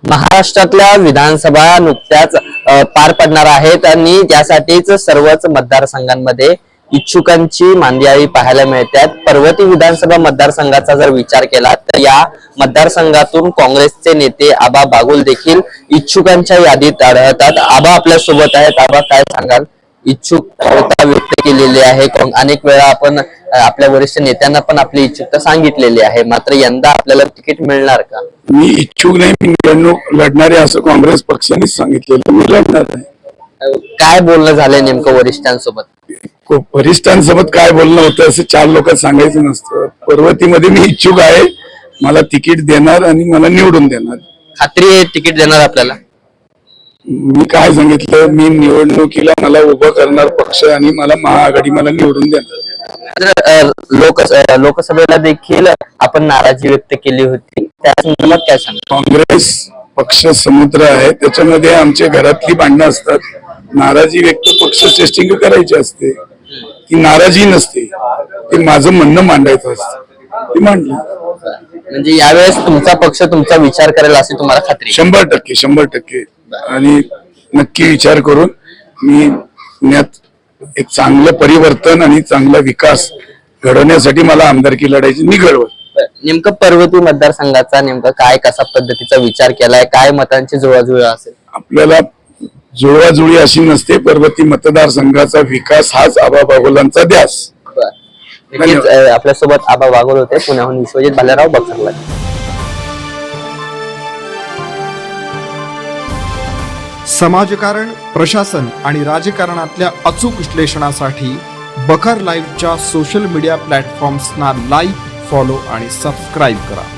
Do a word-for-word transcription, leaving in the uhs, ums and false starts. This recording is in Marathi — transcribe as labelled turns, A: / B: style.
A: महाराष्ट्रातल्या विधानसभा नुकत्याच पार पडणार आहेत आणि त्यासाठीच सर्वच मतदारसंघांमध्ये इच्छुकांची मांदियाळी पाहायला मिळतात। पर्वती विधानसभा मतदारसंघाचा जर विचार केला तर या मतदारसंघातून काँग्रेसचे नेते आबा बागुल देखील इच्छुकांच्या यादीत आढळतात। आबा आपल्या सोबत आहेत। आबा, काय सांगाल? इच्छुकता व्यक्त केलेली आहे, अनेक वेळा आपण आपल्या वरिष्ठ नेत्यांना पण आपली इच्छुकता सांगितलेली आहे, मात्र यंदा आपल्याला तिकीट मिळणार का?
B: मी इच्छुक नाही, मी निवडणूक लढणारे असं काँग्रेस पक्षाने सांगितलेलं, मी लढणार नाही।
A: काय बोलणं झालंय नेमकं वरिष्ठांसोबत?
B: वरिष्ठांसोबत काय बोलणं होतं असं चार लोकांना सांगायचं नसतं। पर्वतीमध्ये मी इच्छुक आहे, मला तिकीट देणार आणि मला निवडून देणार।
A: खात्री आहे तिकीट देणार आपल्याला?
B: मी काय सांगितलं, मी निवडणुकीला मला उभं करणार पक्ष आणि मला महाआघाडी मला निवडून देणार।
A: लोक लोकसभेला देखील आपण नाराजी व्यक्त केली होती, त्या संदर्भात काय सांगा?
B: काँग्रेस पक्ष समुद्र आहे, त्याच्यामध्ये आमच्या घरातली भांडणं असतात। नाराजी व्यक्त पक्ष टेस्टिंग करायची असते, ती नाराजी नसते, ते माझं म्हणणं मांडायचं असतं, ते मांडलं।
A: म्हणजे यावेळेस तुमचा पक्ष तुमचा विचार करेल अशी तुम्हाला खात्री?
B: शंभर टक्के शंभर टक्के आणि नक्की विचार करून मी पुण्यात एक चांगलं परिवर्तन आणि चांगला विकास घडवण्यासाठी मला आमदारकी लढायची, मी घडवत।
A: नेमकं पर्वती मतदारसंघाचा नेमका काय कसा पद्धतीचा विचार केलाय? काय मतांची जुळवाजुळव असेल?
B: आपल्याला जुळवाजुळी अशी नसते, पर्वती मतदारसंघाचा विकास हाच आबा बागुलांचा ध्यास।
A: आपल्या सोबत आबा बागुल होते, पुण्याहून विश्वजित भालेराव, बक्सरला।
C: समाजकारण, प्रशासन आणि राजकारणातल्या अचूक विश्लेषणासाठी बखर लाईव्हच्या सोशल मीडिया प्लॅटफॉर्म्सना लाईक, फॉलो आणि सबस्क्राईब करा।